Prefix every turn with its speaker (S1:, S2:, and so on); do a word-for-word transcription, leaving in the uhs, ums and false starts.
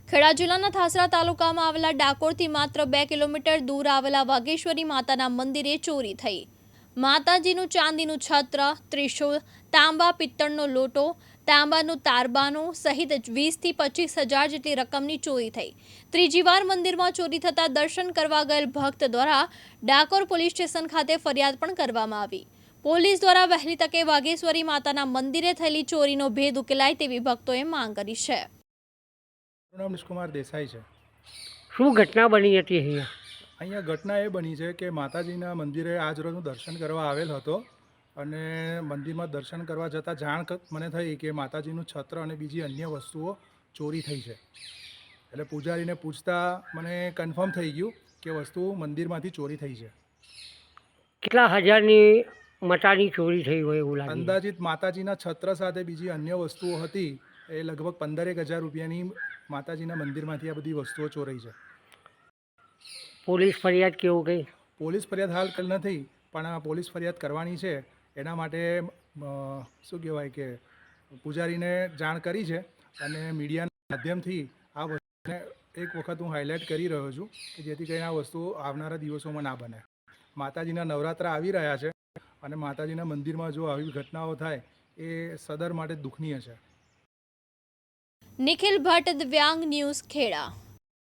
S1: ખેડા જિલ્લાના થાસરા તાલુકામાં આવેલા ડાકોરથી માત્ર બે કિલોમીટર દૂર આવેલા વાઘેશ્વરી માતાના મંદિરે ચોરી થઈ। માતાજીનું ચાંદીનું છત્ર, ત્રિશૂળ, તાંબા પિત્તળનો લોટો, તાંબાનું તારબાનું સહિત વીસથી પચીસ હજાર જેટલી રકમની ચોરી થઈ। ત્રીજી વાર મંદિરમાં ચોરી થતાં દર્શન કરવા ગયેલ ભક્ત દ્વારા ડાકોર પોલીસ સ્ટેશન ખાતે ફરિયાદ પણ કરવામાં આવી। પોલીસ દ્વારા વહેલી તકે વાઘેશ્વરી માતાના મંદિરે થયેલી ચોરીનો ભેદ ઉકેલાય તેવી ભક્તોએ માંગ કરી છે।
S2: નામ નિષ્કુમાર દેસાઈ છે।
S3: શું ઘટના બની હતી અહીંયા?
S2: અહીંયા ઘટના એ બની છે કે માતાજીના મંદિરે આજ રોજ હું દર્શન કરવા આવેલ હતો અને મંદિરમાં દર્શન કરવા જતાં જાણ મને થઈ કે માતાજીનું છત્ર અને બીજી અન્ય વસ્તુઓ ચોરી થઈ છે। એટલે પૂજારીને પૂછતા મને કન્ફર્મ થઈ ગયું કે વસ્તુ મંદિરમાંથી ચોરી થઈ છે।
S3: કેટલા હજારની મટાની ચોરી થઈ હોય એવું લાગે?
S2: અંદાજિત માતાજીના છત્ર સાથે બીજી અન્ય વસ્તુઓ હતી એ લગભગ પંદરેક હજાર રૂપિયાની માતાજીના મંદિરમાંથી આ બધી વસ્તુઓ ચોરાઈ છે।
S3: પોલીસ ફરિયાદ કેવું કંઈ?
S2: પોલીસ ફરિયાદ હાલ કલ નથી, પણ પોલીસ ફરિયાદ કરવાની છે। એના માટે શું કહેવાય કે પૂજારીને જાણ કરી છે અને મીડિયાના માધ્યમથી આ વસ્તુને એક વખત હું હાઇલાઇટ કરી રહ્યો છું કે જેથી કરીને આ વસ્તુ આવનારા દિવસોમાં ના બને। માતાજીના નવરાત્રા આવી રહ્યા છે અને માતાજીના મંદિરમાં જો આવી ઘટનાઓ થાય એ સદર માટે દુઃખનીય છે।
S1: નિખિલ ભટ્ટ, દિવ્યાંગ ન્યૂઝ, ખેડા।